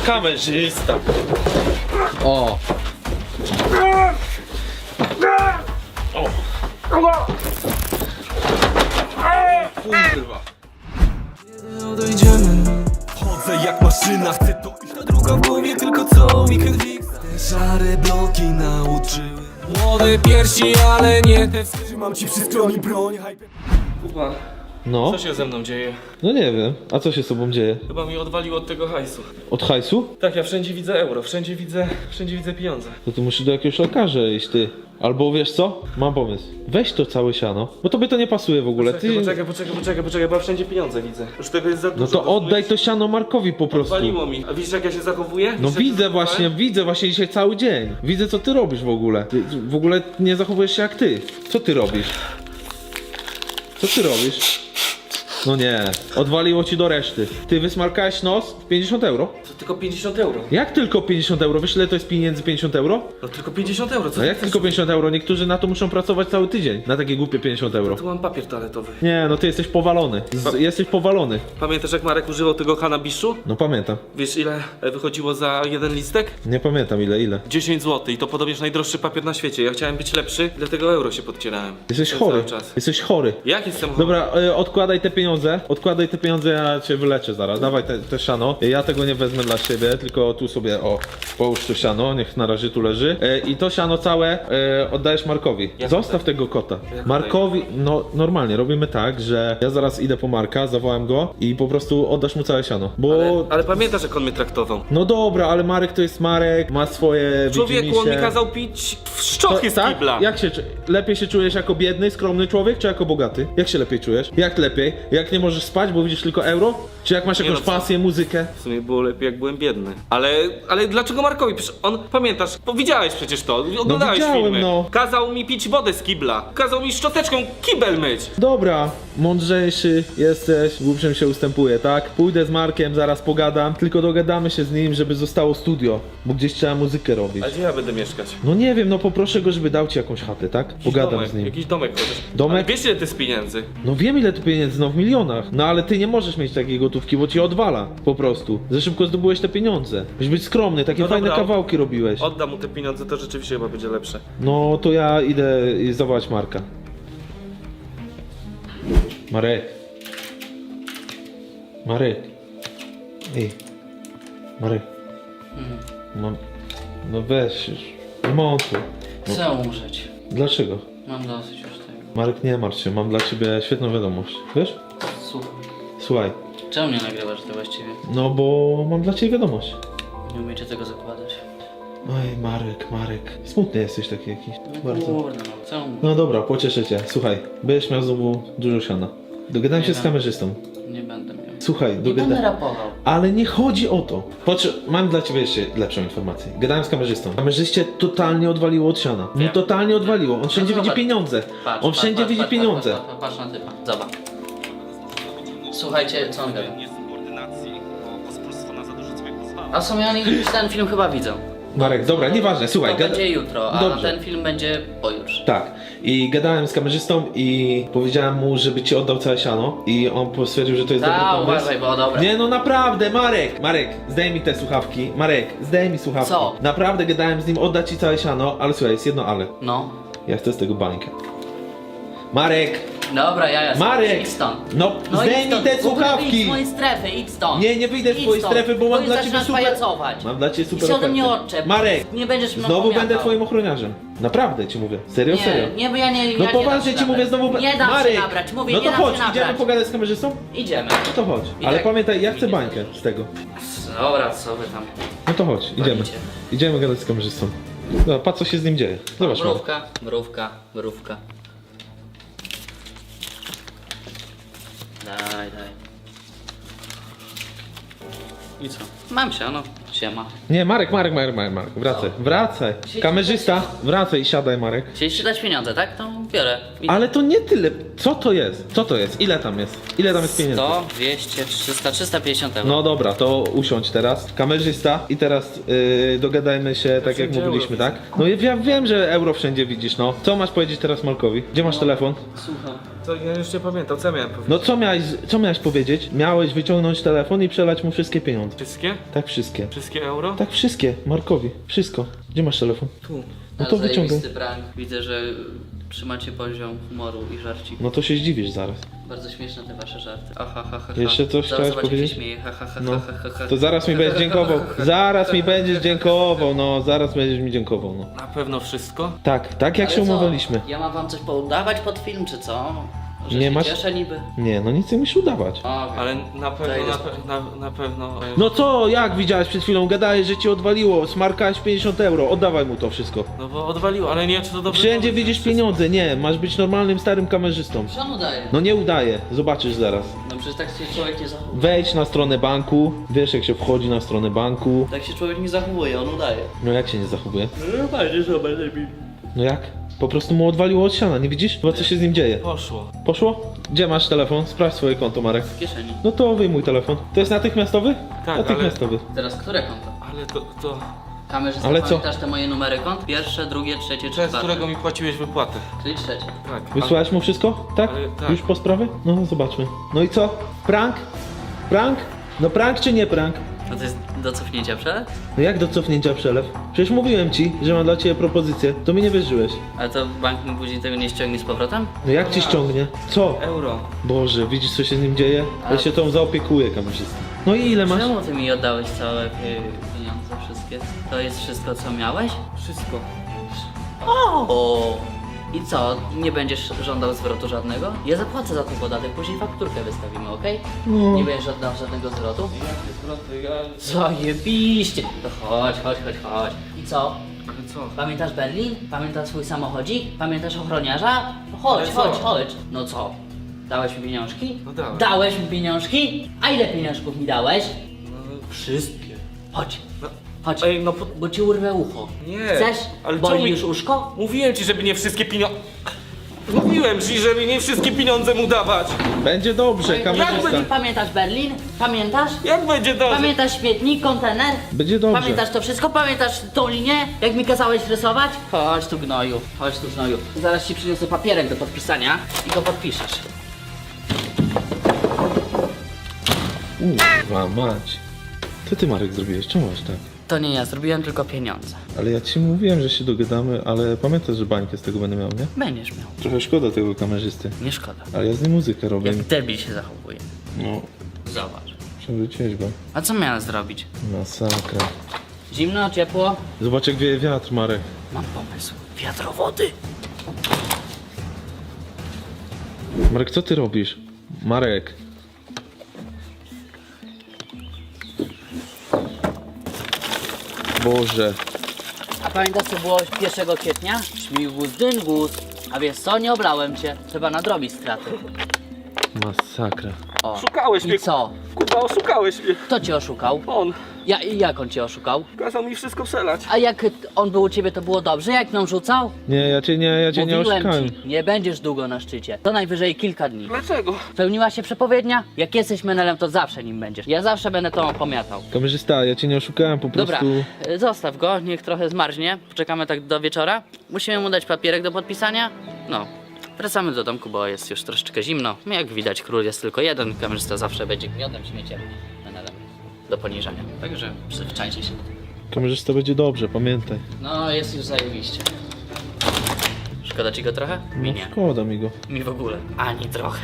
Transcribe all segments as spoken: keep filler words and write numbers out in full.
Kamerzysta. O! O. Kurwa. Odejdziemy. Chodzę jak maszyna, chcę to iść. Ta druga w głowie, tylko co mi krwi. Te szare bloki nauczyły. Młode piersi, ale nie te. Trzymam ci przy skroni broń. Kuba, No? co się ze mną dzieje? No nie wiem. A co się z tobą dzieje? Chyba mi odwaliło od tego hajsu. Od hajsu? Tak, ja wszędzie widzę euro, wszędzie widzę, wszędzie widzę pieniądze. To ty musisz do jakiegoś lekarza iść, ty. Albo wiesz co? Mam pomysł. Weź to całe siano, bo tobie to nie pasuje w ogóle. Poczekaj, Ty... poczekaj, poczekaj, poczekaj, poczekaj, bo ja wszędzie pieniądze widzę. Już tego jest za dużo. No to rozumiesz? oddaj to siano Markowi po prostu. Odwaliło mi. A widzisz jak ja się zachowuję? No Widzisz, jak się widzę zachowałem? właśnie, widzę właśnie dzisiaj cały dzień. Widzę co ty robisz w ogóle. Ty w ogóle nie zachowujesz się jak ty. Co ty robisz? Co ty robisz? No nie, odwaliło ci do reszty. Ty wysmarkałeś nos w pięćdziesiąt euro? To tylko pięćdziesiąt euro. Jak tylko pięćdziesiąt euro? Wiesz ile to jest pieniędzy pięćdziesiąt euro? No tylko pięćdziesiąt euro, co No ty jak chcesz? tylko pięćdziesiąt euro? Niektórzy na to muszą pracować cały tydzień. Na takie głupie pięćdziesiąt euro. Tu mam papier toaletowy. Nie, no ty jesteś powalony. Z, jesteś powalony. Pamiętasz jak Marek używał tego kanabiszu? No pamiętam. Wiesz ile e, wychodziło za jeden listek? Nie pamiętam ile, ile. dziesięć złotych i to podobnież najdroższy papier na świecie. Ja chciałem być lepszy, dlatego euro się podcierałem. Jesteś Cały chory. czas. Jesteś chory. Jak jestem chory? Dobra, y, odkładaj te pieniądze, odkładaj te pieniądze, ja cię wyleczę zaraz. Dawaj te, te siano. Ja tego nie wezmę dla siebie, tylko tu sobie, o, połóż to siano, niech na razie tu leży. Y, I to siano całe y, oddajesz Markowi. Jak Zostaw tego kota. Jak Markowi, no normalnie, robimy tak, że ja zaraz idę po Marka, zawołam go i po prostu oddasz mu całe siano. Bo... Ale, ale pamiętasz jak on mnie traktował? No dobra, ale Marek to jest Marek, ma swoje Człowieku, on mi widzimisię. kazał pić w szczochy z tak? kibla. Jak się, czu- lepiej się czujesz jako biedny, skromny człowiek, czy jako bogaty? Jak się lepiej czujesz? Jak lepiej? Jak nie możesz spać, bo widzisz tylko euro? Czy jak masz Nie jakąś no, co? pasję, muzykę? W sumie było lepiej jak byłem biedny. Ale, ale dlaczego Markowi? Przecież on, pamiętasz, bo widziałeś przecież to, oglądałeś widziałem, filmy. no. Kazał mi pić wodę z kibla. Kazał mi szczoteczką kibel myć. Dobra, mądrzejszy jesteś, głupszym się ustępuje, tak? Pójdę z Markiem, zaraz pogadam, tylko dogadamy się z nim, żeby zostało studio, bo gdzieś trzeba muzykę robić. A gdzie ja będę mieszkać? No nie wiem, no poproszę go, żeby dał ci jakąś chatę, tak? Jakiś Pogadam domek, z nim. Jakiś domek chociaż. Domek? Ale wiesz ile to jest pieniędzy? No wiem ile tu pieniędzy, no w milionach. No ale ty nie możesz mieć takiej gotówki, bo ci odwala. Po prostu. Za szybko zdobyłeś te pieniądze. Musisz być skromny, takie No fajne dobra. kawałki robiłeś. Oddam mu te pieniądze, to rzeczywiście chyba będzie lepsze. No to ja idę i zawołać Marka. Marek. Marek. Ej. Marek. Mam... No weź już. Nie montuj. Chcę umrzeć. Dlaczego? Mam dosyć już tego. Marek, nie martw się, mam dla ciebie świetną wiadomość. Wiesz? Słuchaj. Słuchaj. Czemu nie nagrywasz to właściwie? No bo mam dla ciebie wiadomość. Nie umiecie tego zakładać. Oj, Marek, Marek. Smutny jesteś taki jakiś. No Bardzo. kurde, no chcę umrzeć. No dobra, pocieszę cię. Słuchaj, będziesz miał znowu dużo siana. Dogadałem Nie się z wiem. kamerzystą. Nie będę miał. Słuchaj, Nie będę dogadałem. rapował. Ale nie chodzi o to. Patrz, mam dla ciebie jeszcze lepszą informację. Gadałem z kamerzystą. Kamerzyście totalnie odwaliło od siana. No Wiem. totalnie odwaliło. On wszędzie No widzi zobacz. pieniądze. Patrz, On patrz, wszędzie patrz, widzi patrz, pieniądze. Patrz, patrz, patrz na typa. Zobacz. Słuchajcie, co on gada. Niesubordynacji, bo pospólstwo na za dużo sobie pozwala. A w sumie oni już ten film chyba widzą. Marek, dobra, nieważne, słuchaj. To gada- będzie jutro, a Dobrze. ten film będzie pojutrze. Tak. I gadałem z kamerzystą i powiedziałem mu, żeby ci oddał całe siano. I on stwierdził, że to jest dobry Ta, pomysł. uważaj, bo dobra. Nie no naprawdę, Marek! Marek, zdejmij te słuchawki. Marek, zdejmij słuchawki. Co? Naprawdę gadałem z nim, oddać ci całe siano, ale słuchaj, jest jedno ale. No. Ja chcę z tego bańkę. Marek! Dobra, ja jestem. Marek! Idź stąd. No, No idź zdejmij stąd. te W ogóle Idź słuchawki! z mojej strefy, idź stąd. Nie, nie wyjdę z Idź twojej stąd. strefy, bo mam Bo dla zaczynasz ciebie super... pajacować. Mam dla ciebie I super się ode mnie ofertę. odczep. Marek! Nie będziesz mną Znowu pomiatał. będę twoim ochroniarzem. Naprawdę ci mówię. Serio, serio. Nie, nie, bo ja nie. No ja poważnie nie ci dam mówię się znowu... nabrać. Nie dam Marek! się nabrać, mówię, no nie to dam chodź, się idziemy nabrać. pogadać z kamerzystą? Idziemy. No to chodź. I Ale tak- pamiętaj, ja chcę idziemy. bańkę z tego. Dobra, co wy tam. No to chodź, idziemy. Walicie. Idziemy gadać z kamerzystą. No, patrz co się z nim dzieje. Zobacz, Marek. Mrówka, mrówka, mrówka. Daj, daj. I co? Mam się, no. Siema. Nie, Marek, Marek, Marek, Marek, Marek. Wracaj, Co? wracaj. Siedź- Kamerzysta, wracaj i siadaj, Marek. Chcieliście dać pieniądze, tak? To biorę. I... Ale to nie tyle. Co to jest? Co to jest? Ile tam jest? Ile tam jest pieniędzy? sto, dwieście, trzysta, trzysta pięćdziesiąt euro. No dobra, to usiądź teraz. Kamerzysta i teraz yy, dogadajmy się tak jak wszędzie mówiliśmy, euro tak? No ja ja wiem, że euro wszędzie widzisz, no. Co masz powiedzieć teraz Markowi? Gdzie masz telefon? Słucham. To ja już nie pamiętam, co ja miałem powiedzieć. No co miałeś, co miałeś powiedzieć? Miałeś wyciągnąć telefon i przelać mu wszystkie pieniądze. Wszystkie? Tak, wszystkie. Wszystkie euro? Tak, wszystkie. Markowi. Wszystko. Gdzie masz telefon? Tu. No to wyciągaj. Prank. Widzę, że trzymacie poziom humoru i żarci. No to się zdziwisz zaraz. Bardzo śmieszne te wasze żarty. Aha, ha, ha, ha. Jeszcze coś Zaraz chciałeś zobacz, jak powiedzieć? się śmieje. Ha, ha, ha, No. ha, ha, ha. To zaraz mi będziesz dziękował. Zaraz mi będziesz dziękował, no. Zaraz będziesz mi dziękował, no. Na pewno wszystko? Tak, tak jak Ale się co? umawialiśmy. Ja mam wam coś poudawać pod film, czy co? Że Nie się masz- cieszę niby? Nie, no nic nie musisz udawać. Okej. Ale na To pewno, idę na, spać. pe na, na pewno... e, No co, jak widziałeś przed chwilą? Gadałeś, że ci odwaliło. Smarkałeś pięćdziesiąt euro. Oddawaj mu to wszystko. No bo odwaliło, ale nie wiem, czy to dobrze... Wszędzie pomysł. widzisz pieniądze. Nie, masz być normalnym, starym kamerzystą. Co on udaje? No nie udaje. Zobaczysz zaraz. No przecież tak się człowiek nie zachowuje. Wejdź na stronę banku. Wiesz jak się wchodzi na stronę banku. Tak się człowiek nie zachowuje, on udaje. No jak się nie zachowuje? No fajnie, zobacz, lepiej. No jak? Po prostu mu odwaliło od siana, nie widzisz? Chyba co się z nim dzieje. Poszło. Poszło? Gdzie masz telefon? Sprawdź swoje konto, Marek. W kieszeni. No to wyjmuj telefon. To jest natychmiastowy? Tak, Natychmiastowy. Teraz które konto? Ale to... to... Kamerzysta, Ale co? pamiętasz te moje numery kont? Pierwsze, drugie, trzecie, to jest, czwarte. którego mi płaciłeś wypłatę. Czyli trzecie. Tak. Wysłałeś mu wszystko? Tak? Ale tak. Już po sprawie? No zobaczmy. No i co? Prank? Prank? No prank czy nie prank? No to jest do cofnięcia przelew? No jak do cofnięcia przelew? Przecież mówiłem ci, że mam dla ciebie propozycję. To mi nie wierzyłeś. Ale to bank mi później tego nie ściągnie z powrotem? No jak ci ściągnie? Co? Euro. Boże, widzisz co się z nim dzieje? Ja się tą zaopiekuję kamerzysta. No i ile masz? Czemu ty mi oddałeś całe pie- pieniądze wszystkie? To jest wszystko co miałeś? Wszystko. O! I co? Nie będziesz żądał zwrotu żadnego? Ja zapłacę za ten podatek, później fakturkę wystawimy, okej? No. Nie będziesz żądał żadnego zwrotu? Jakie zwroty, ja... Zajebiście! To chodź, chodź, chodź, chodź. I co? Ale co? Pamiętasz Berlin? Pamiętasz swój samochodzik? Pamiętasz ochroniarza? No chodź, Ale co? chodź, chodź. No co? Dałeś mi pieniążki? No dałem. Dałeś mi pieniążki? A ile pieniążków mi dałeś? No, Wszystkie. Chodź, no, chodź. Ej, no po... Bo ci urwę ucho. Nie. Chcesz? Ale Boli co mi- już uszko? Mówiłem ci, żeby nie wszystkie pieniądze... Mówiłem ci, żeby nie wszystkie pieniądze mu dawać. Będzie dobrze, Jak kamerzysta. będzie, pamiętasz Berlin? Pamiętasz? Jak będzie dobrze? Pamiętasz śmietnik, kontener? Będzie dobrze. Pamiętasz to wszystko? Pamiętasz tą linię? Jak mi kazałeś rysować? Chodź tu gnoju, chodź tu gnoju. Zaraz ci przyniosę papierek do podpisania i go podpiszesz. Uwa, mać. Co ty Marek zrobiłeś? Czemu aż tak? To nie ja, zrobiłem tylko pieniądze. Ale ja ci mówiłem, że się dogadamy, ale pamiętasz, że bańkę z tego będę miał, nie? Będziesz miał. Trochę szkoda tego kamerzysty. Nie szkoda. Ale ja z nim muzykę robię. Jak debil się zachowuje. No, Zobacz. przewróciłeś go. A co miałem zrobić? Masakra. Zimno, ciepło? Zobacz jak wieje wiatr, Marek. Mam pomysł. Wiatrowody. Marek, co ty robisz? Marek. Boże. A pamiętasz co było pierwszego kwietnia? Śmigus, dyngus. A wiesz co? Nie oblałem cię. Trzeba nadrobić straty. Masakra. O. Szukałeś mnie. I co? Kuba, oszukałeś mnie. Kto cię oszukał? On. Ja, jak on cię oszukał? Kazał mi wszystko przelać. A jak on był u ciebie, to było dobrze? Jak nam rzucał? Nie, ja cię nie, ja cię nie Mówiłem oszukałem. ci, nie będziesz długo na szczycie. To najwyżej kilka dni. Dlaczego? Spełniła się przepowiednia? Jak jesteś menelem, to zawsze nim będziesz. Ja zawsze będę to opomiatał. Kamerzysta, ja cię nie oszukałem, po prostu... Dobra, y, zostaw go, niech trochę zmarznie. Poczekamy tak do wieczora. Musimy mu dać papierek do podpisania. No, wracamy do domku, bo jest już troszeczkę zimno. Jak widać, król jest tylko jeden. Kamerzysta zawsze będzie gniodem, śmieciem, menelem do poniżania. Także przyzwyczajcie się. Kamerzysta będzie dobrze, pamiętaj. No, jest już zajebiście. Szkoda ci go trochę? Mi No nie. szkoda mi go. Mi w ogóle. Ani trochę.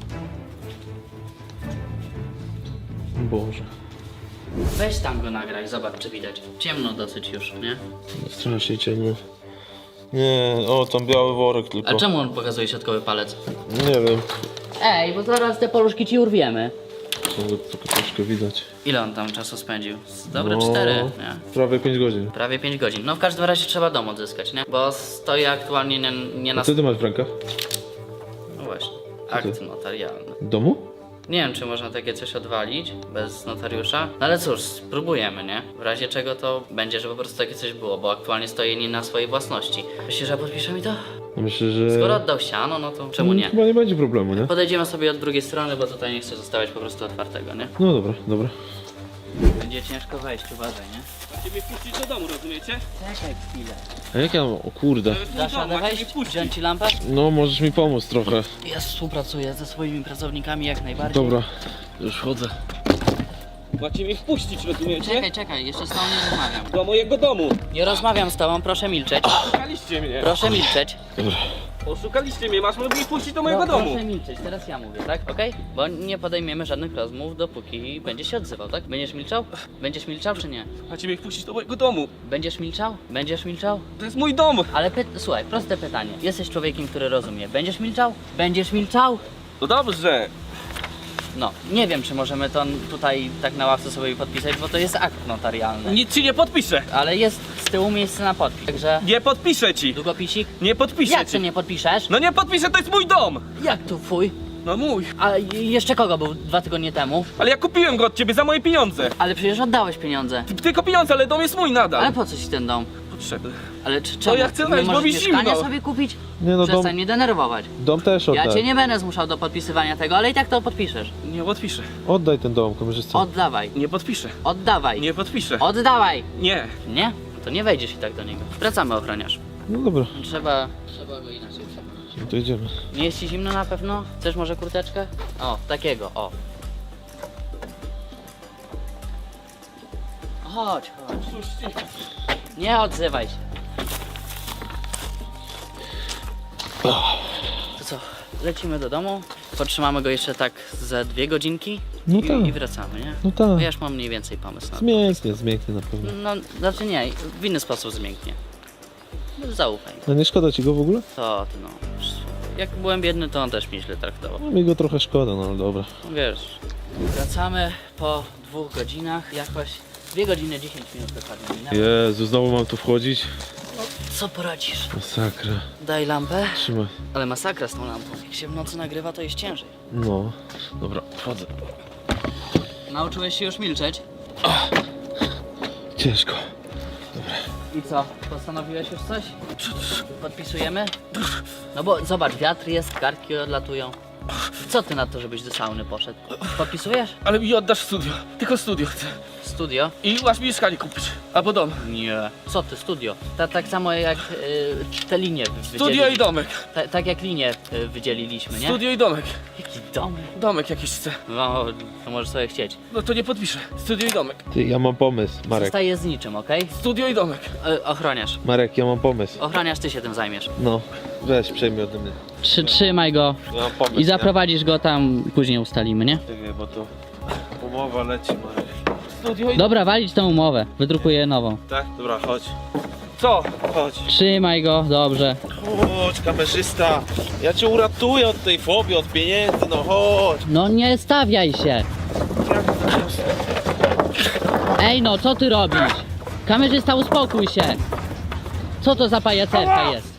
Boże. Weź tam go nagraj, zobacz czy widać. Ciemno dosyć już, nie? Strasznie ciemno. Nie, o tam biały worek tylko. A czemu on pokazuje środkowy palec? Nie wiem. Ej, bo zaraz te poluszki ci urwiemy. Tylko troszkę widać. Ile on tam czasu spędził? Z Dobre No, cztery, nie? Prawie pięć godzin. Prawie pięć godzin. No w każdym razie trzeba dom odzyskać, nie? Bo stoi aktualnie nie, nie A na... co ty masz w rękach? No właśnie. Akt notarialny. W domu? Nie wiem, czy można takie coś odwalić bez notariusza. No ale cóż, spróbujemy, nie? W razie czego to będzie, że po prostu takie coś było, bo aktualnie stoi nie na swojej własności. Myślisz, że podpisze mi to? Myślę, że... Skoro oddał siano, no to czemu nie? Chyba nie będzie problemu, nie? Podejdziemy sobie od drugiej strony, bo tutaj nie chcę zostawiać po prostu otwartego, nie? No dobra, dobra. Będzie ciężko wejść, uważaj, nie? Ciebie wpuścić do domu, rozumiecie? Czekaj chwilę. A jak ja mam... O kurde. Dasz radę wejść? Wziąć ci lampę? No, możesz mi pomóc trochę. Ja współpracuję ze swoimi pracownikami jak najbardziej. Dobra, już chodzę. Macie mnie wpuścić, rozumiecie? Czekaj, czekaj, jeszcze z tobą nie rozmawiam. Do mojego domu. Nie rozmawiam z tobą, proszę milczeć. Oszukaliście mnie. Proszę milczeć. Oszukaliście mnie, masz mnie wpuścić do No, mojego domu. proszę milczeć, teraz ja mówię, tak? Okej? Bo nie podejmiemy żadnych rozmów, dopóki będziesz się odzywał, tak? Będziesz milczał? Będziesz milczał czy nie? Macie mnie wpuścić do mojego domu. Będziesz milczał? Będziesz milczał? To jest mój dom. Ale py... słuchaj, proste pytanie. Jesteś człowiekiem, który rozumie. Będziesz milczał? Będziesz milczał? No dobrze. No, nie wiem, czy możemy to tutaj tak na ławce sobie podpisać, bo to jest akt notarialny. Nic ci nie podpiszę. Ale jest z tyłu miejsce na podpis, także... Nie podpiszę ci. Długopisik? Nie podpiszę Jak ci. ty nie podpiszesz? No nie podpiszę, to jest mój dom. Jak tu fuj? No mój. A jeszcze kogo był dwa tygodnie temu? Ale ja kupiłem go od ciebie za moje pieniądze. Ale przecież oddałeś pieniądze. Ty- Tylko pieniądze, ale dom jest mój nadal. Ale po co ci ten dom? Potrzebny. Ale czy, czemu? ja chcę Nie wejść, bo możesz mi mieszkania zimno. sobie kupić? Nie no, Przestań dom, mnie denerwować. dom też Ja oddaj. cię nie będę zmuszał do podpisywania tego, ale i tak to podpiszesz. Nie podpiszę. Oddaj ten dom, kamerzysta. Oddawaj. Nie podpiszę. Oddawaj. Nie podpiszę. Oddawaj. Nie. Nie? To nie wejdziesz i tak do niego. Wracamy, ochroniarz. No dobra, Trzeba... Trzeba go inaczej przebrać. no to idziemy. Nie jest ci zimno na pewno? Chcesz może kurteczkę? O, takiego, o. Chodź, chodź. Nie odzywaj się. To co, lecimy do domu, potrzymamy go jeszcze tak ze dwie godzinki No i, tak. i wracamy, nie? No tak. Bo ja już mam mniej więcej pomysł na to. Zmięknie, zmięknie na pewno. No, znaczy nie, w inny sposób zmięknie. No, zaufaj. A nie szkoda ci go w ogóle? To ty no. Jak byłem biedny, to on też mnie źle traktował. No mi go trochę szkoda, no ale dobra. No wiesz, wracamy po dwóch godzinach, jakoś dwie godziny dziesięć minut dokładnie minęło. Jezu, znowu mam tu wchodzić? Co poradzisz? Masakra. Daj lampę. Trzymaj. Ale masakra z tą lampą. Jak się w nocy nagrywa, to jest ciężej. No. Dobra, wchodzę. Nauczyłeś się już milczeć? Ciężko. I co? Postanowiłeś już coś? Podpisujemy? No bo zobacz, wiatr jest, kartki odlatują. Co ty na to, żebyś do sauny poszedł? Podpisujesz? Ale mi oddasz studio. Tylko studio chcę. Studio? I masz mi mieszkanie kupić. Albo dom. Nie. Co ty, studio? Ta, tak samo jak y, te linie Studio wydzielili- i domek. Ta, tak jak linie y, wydzieliliśmy, nie? Studio i domek. Jaki dom? Domek jakiś chcę. No, to możesz sobie chcieć. No to nie podpiszę. Studio i domek. Ty, ja mam pomysł, Marek. Zostaje z niczym, okej? Studio i domek. Y, ochroniarz. Marek, ja mam pomysł. Ochroniarz, ty się tym zajmiesz. No, weź, przejmij ode mnie. Trzy, trzymaj go Ja mam pomysł, i zaprowadzisz go tam, później ustalimy, nie? Czekaj, bo to umowa leci, Marek. Studio i Dobra, walić tą umowę. Wydrukuję nową. Tak? Dobra, chodź. Co? Chodź. Trzymaj go, dobrze. Chodź, kamerzysta. Ja cię uratuję od tej fobii, od pieniędzy, no chodź. No nie stawiaj się. Ej no, co ty robisz? Kamerzysta, uspokój się. Co to za pajacerka jest?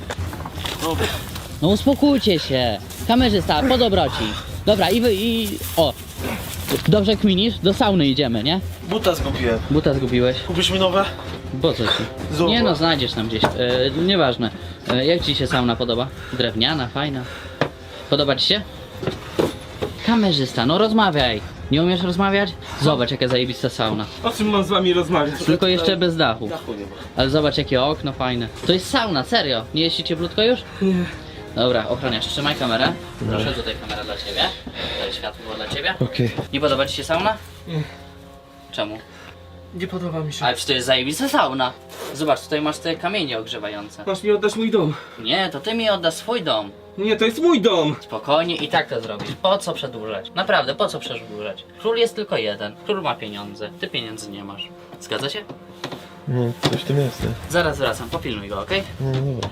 No uspokójcie się. Kamerzysta, po dobroci. Dobra, i wy, i... O. Dobrze kminisz? Do sauny idziemy, nie? Buta zgubiłem. Buta zgubiłeś. Kupisz mi nowe? Po co ci? Zobacz. Nie no, znajdziesz tam gdzieś. E, nieważne. E, jak ci się sauna podoba? Drewniana, fajna. Podoba ci się? Kamerzysta, no rozmawiaj. Nie umiesz rozmawiać? Zobacz jaka zajebista sauna. O czym mam z wami rozmawiać? Tylko jeszcze bez dachu. Dachu nie ma. Ale zobacz jakie okno fajne. To jest sauna, serio. Nie jest ci cieplutko już? Nie. Dobra, ochroniarz, trzymaj kamerę. Proszę, tutaj kamera dla ciebie. Tutaj światło dla ciebie. Okej. Nie podoba ci się sauna? Nie. Czemu? Nie podoba mi się. Ale przecież to jest zajebista sauna. Zobacz, tutaj masz te kamienie ogrzewające. Masz mi oddać mój dom. Nie, to ty mi oddasz swój dom. Nie, to jest mój dom. Spokojnie i tak to zrobisz. Po co przedłużać? Naprawdę, po co przedłużać? Król jest tylko jeden. Król ma pieniądze. Ty pieniędzy nie masz. Zgadza się? No, coś w tym jest, nie? Zaraz wracam, popilnuj go, okej? No dobra.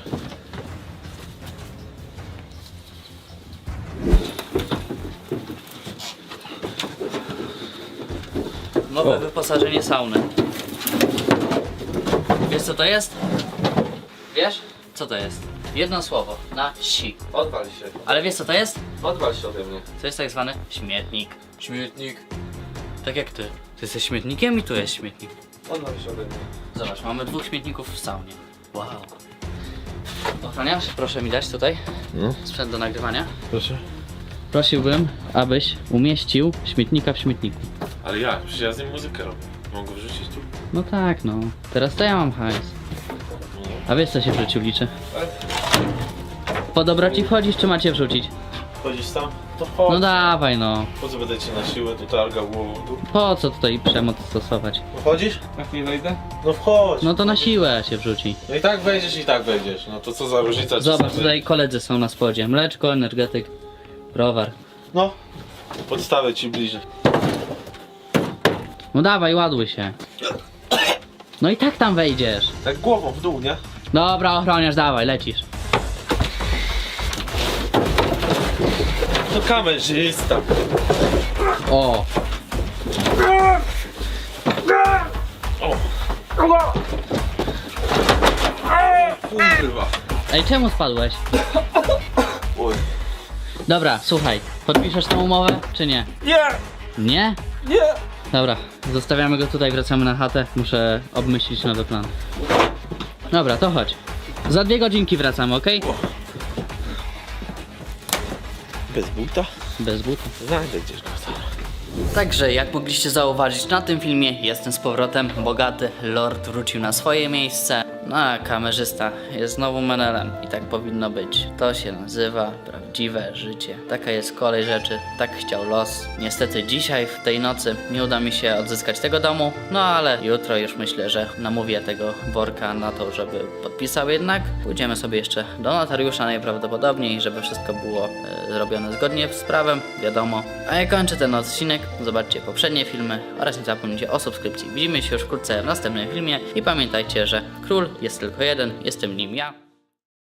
Nowe O. wyposażenie sauny. Wiesz co to jest? Wiesz? Co to jest? Jedno słowo. Na si. Odwal się. Ale wiesz co to jest? Odwal się ode mnie. To jest tak zwany śmietnik. Śmietnik. Tak jak ty. Ty jesteś śmietnikiem i tu jest śmietnik. Odwal się ode mnie. Zobacz, mamy dwóch śmietników w saunie. Wow. Ochroniarz, proszę mi dać tutaj No, sprzęt do nagrywania. proszę. Prosiłbym, abyś umieścił śmietnika w śmietniku. Ale jak? Przecież ja z nim muzykę robię. Mogę wrzucić tu? No tak, no. Teraz to ja mam hajs. A wiesz, co się w życiu liczy? Po dobroci wchodzisz, czy macie wrzucić? Chodzisz tam? To chodź. No dawaj, no. Po co będę cię na siłę tu targał głową tu? Po co tutaj przemoc stosować? No wchodzisz? Jak nie wejdę? No wchodź. No to na siłę się wrzuci. No i tak wejdziesz i tak wejdziesz. No to co za różnica? czy Zobacz, sobie- tutaj koledzy są na spodzie. Mleczko, energetyk, browar. No. Podstawę ci bliżej. No dawaj, ładuj się. No i tak tam wejdziesz. Tak głową w dół, nie? Dobra, ochroniarz, dawaj, lecisz. To kamerzysta. O, Kurwa. ej, czemu spadłeś? Oj. Dobra, słuchaj, podpiszesz tą umowę, czy nie? Nie! Nie? Nie! Dobra, zostawiamy go tutaj, wracamy na chatę. Muszę obmyślić nowy plan. Dobra, to chodź. Za dwie godzinki wracamy, okej? Bez buta? Bez buta. Znajdę gdzieś go. Także jak mogliście zauważyć na tym filmie, jestem z powrotem bogaty, Lord wrócił na swoje miejsce, no a kamerzysta jest znowu menelem i tak powinno być. To się nazywa prawdziwe życie. Taka jest kolej rzeczy, tak chciał los. Niestety dzisiaj w tej nocy nie uda mi się odzyskać tego domu, no ale jutro już myślę, że namówię tego worka na to, żeby podpisał jednak. Pójdziemy sobie jeszcze do notariusza najprawdopodobniej, żeby wszystko było e, zrobione zgodnie z prawem, wiadomo. A ja kończę ten odcinek, zobaczcie poprzednie filmy oraz nie zapomnijcie o subskrypcji. Widzimy się już wkrótce w następnym filmie i pamiętajcie, że król jest tylko jeden, jestem nim ja.